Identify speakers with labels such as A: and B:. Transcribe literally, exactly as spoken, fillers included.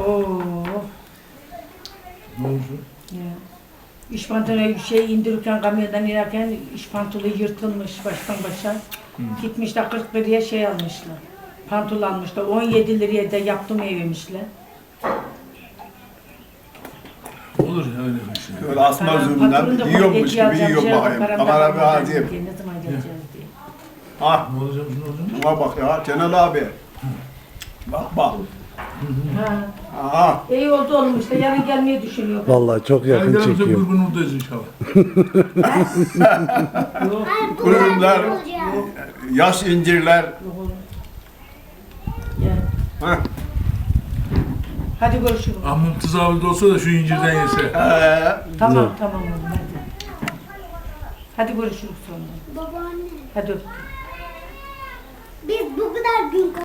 A: Oo.
B: Ne oldu?
A: Ya. İş pantolonu şey indirirken kamyondan inerken iş pantolonu yırtılmış baştan başa.
B: Hı.
A: Gitmişler kırk liraya şey almışlar. Pantolon almışlar. on yedi liraya da yaptım evmişler.
B: Olur ya öyle bir şey.
C: Öyle asma üzümünden yiyormuş gibi yiyor bakayım. Kamera bir azim.
A: Ne zaman geleceğiz diye.
C: Ah,
B: Ne olacak, ne olacak?
C: buna bak ya Cenal abi. Bak bak.
A: Ha.
C: Aha.
A: İyi oldu oğlum işte yarın gelmeyi düşünüyor.
D: Vallahi çok yakın
B: Geldiğimizde
D: çekiyor.
B: grubun oradayız inşallah.
A: Yok.
C: Ürünler, yaş incirler.
A: Yok oğlum. Ya.
C: Heh.
A: Hadi görüşürüz.
B: Amım tızavülde olsa da şu incirden yese.
C: Ee,
A: Tamam tamam oğlum hadi. Hadi görüşürüz sonra.
E: Babaanne,
A: Hadi öptüm.
E: biz bu kadar gün